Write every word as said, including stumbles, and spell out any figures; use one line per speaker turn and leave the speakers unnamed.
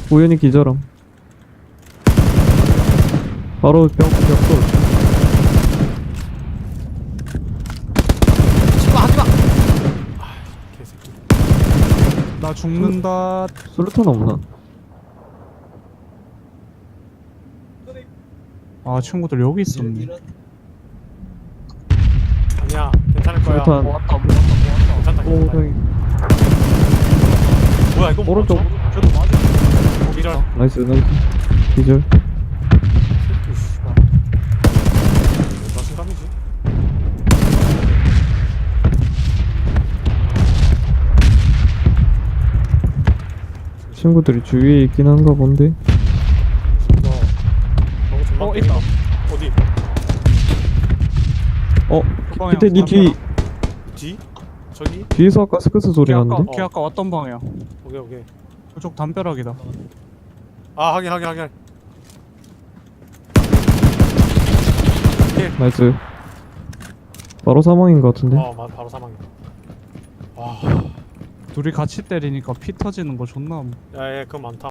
우연히 기절함. 바로 벽, 벽돌.
하지마 하지마.
개새끼.
나 죽는다.
술탄 없나?
아 친구들 여기 있었네.
아니야, 괜찮을 거야.
술탄.
모았다 모았다 모았다.
괜찮다,
오,
괜찮다.
저기.
뭐야, 이거
오른쪽.
저도 맞아.
어, 기절.
나이스, 나이스. 기절.
새끼, 씨발. 뭐 자신감이지?
친구들이 주위에 있긴 한가 본데.
이거 너무 존나
어,
때리다.
있다.
어디?
어,
그 방향.
밑에 니 뒤,
뒤? 저기?
뒤에서 아까 스크스 소리
걔 아까
나는데?
걔 아까 왔던 방향.
오케이, 오케이.
그쪽 담벼락이다.
아, 확인, 확인, 확인.
나이스. 바로 사망인 것 같은데?
어, 마, 바로 사망이다. 와,
둘이 같이 때리니까 피 터지는 거 존나.
야, 얘 그거 많다.